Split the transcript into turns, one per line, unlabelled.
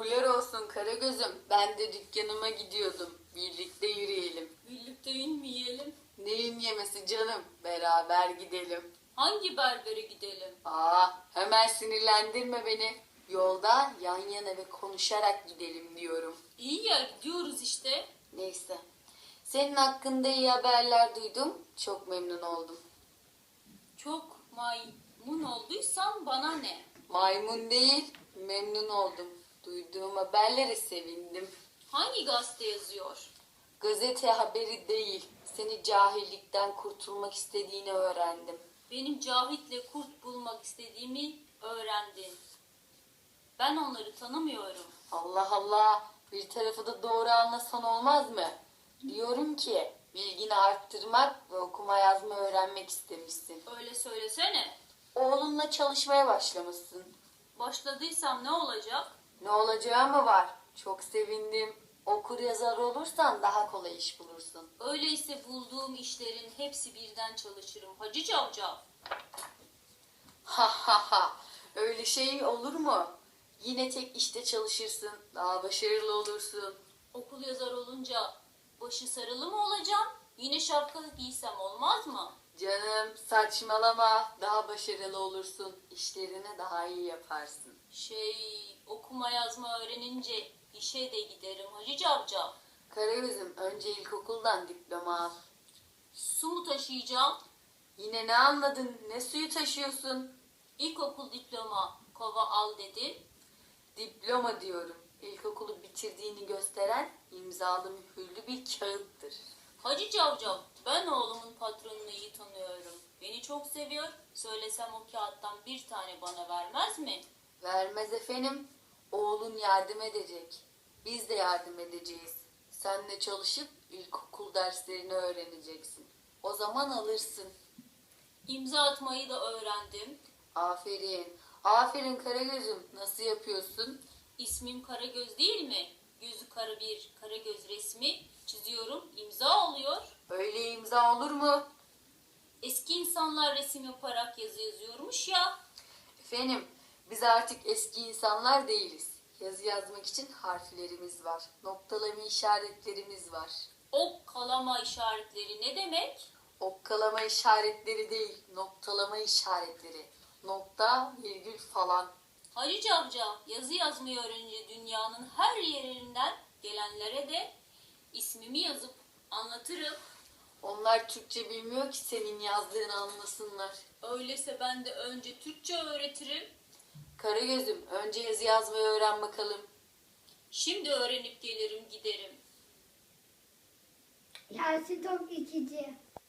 Uğurlar olsun Karagöz'üm. Ben de dükkanıma gidiyordum. Birlikte yürüyelim.
Birlikte yün mü yiyelim?
Neyin yemesi canım? Beraber gidelim.
Hangi berbere gidelim?
Hemen sinirlendirme beni. Yolda yan yana ve konuşarak gidelim diyorum.
İyi ya gidiyoruz işte.
Neyse. Senin hakkında iyi haberler duydum. Çok memnun oldum.
Çok maymun olduysan bana ne?
Maymun değil, memnun oldum. Duyduğum haberlere sevindim.
Hangi gazete yazıyor?
Gazete haberi değil, seni cahillikten kurtulmak istediğini öğrendim.
Benim Cahit'le kurt bulmak istediğimi öğrendin. Ben onları tanımıyorum.
Allah Allah, bir tarafı da doğru anlasan olmaz mı? Diyorum ki, bilgini arttırmak ve okuma yazma öğrenmek istemişsin.
Öyle söylesene.
Oğlunla çalışmaya başlamışsın.
Başladıysam ne olacak?
Ne olacağı mı var? Çok sevindim. Okur yazar olursan daha kolay iş bulursun.
Öyleyse bulduğum işlerin hepsi birden çalışırım. Hacı Cavcav.
Ha ha ha. Öyle şey olur mu? Yine tek işte çalışırsın. Daha başarılı olursun.
Okul yazar olunca başı sarılı mı olacağım? Yine şapka giysem olmaz mı?
Canım saçmalama. Daha başarılı olursun. İşlerini daha iyi yaparsın.
Okuma yazma öğrenince işe de giderim Hacı Cavcav.
Karagöz'üm önce ilkokuldan diploma al.
Su mu taşıyacağım?
Yine ne anladın? Ne suyu taşıyorsun?
İlkokul diploma kova al dedi.
Diploma diyorum. İlkokulu bitirdiğini gösteren imzalı mühürlü bir kağıttır.
Hacı Cavcav, ben oğlumun patronunu iyi tanıyorum. Beni çok seviyor. Söylesem o kağıttan bir tane bana vermez mi?
Vermez efendim. Oğlun yardım edecek. Biz de yardım edeceğiz. Sen de çalışıp ilkokul derslerini öğreneceksin. O zaman alırsın.
İmza atmayı da öğrendim.
Aferin. Aferin Karagöz'üm. Nasıl yapıyorsun?
İsmim Karagöz değil mi? Gözü kara bir Karagöz resmi çiziyorum. İmza oluyor.
Öyle imza olur mu?
Eski insanlar resim yaparak yazı yazıyormuş ya.
Efendim, biz artık eski insanlar değiliz. Yazı yazmak için harflerimiz var. Noktalama işaretlerimiz var.
Ok kalama işaretleri ne demek?
Okkalama işaretleri değil, noktalama işaretleri. Nokta, virgül falan.
Hacı Cavcav yazı yazmayı öğrenince dünyanın her yerinden gelenlere de ismimi yazıp anlatırım.
Onlar Türkçe bilmiyor ki senin yazdığını anlasınlar.
Öyleyse ben de önce Türkçe öğretirim.
Karagöz'üm, önce yazı yazmayı öğren bakalım.
Şimdi öğrenip gelirim giderim.
Yasin Tok 2.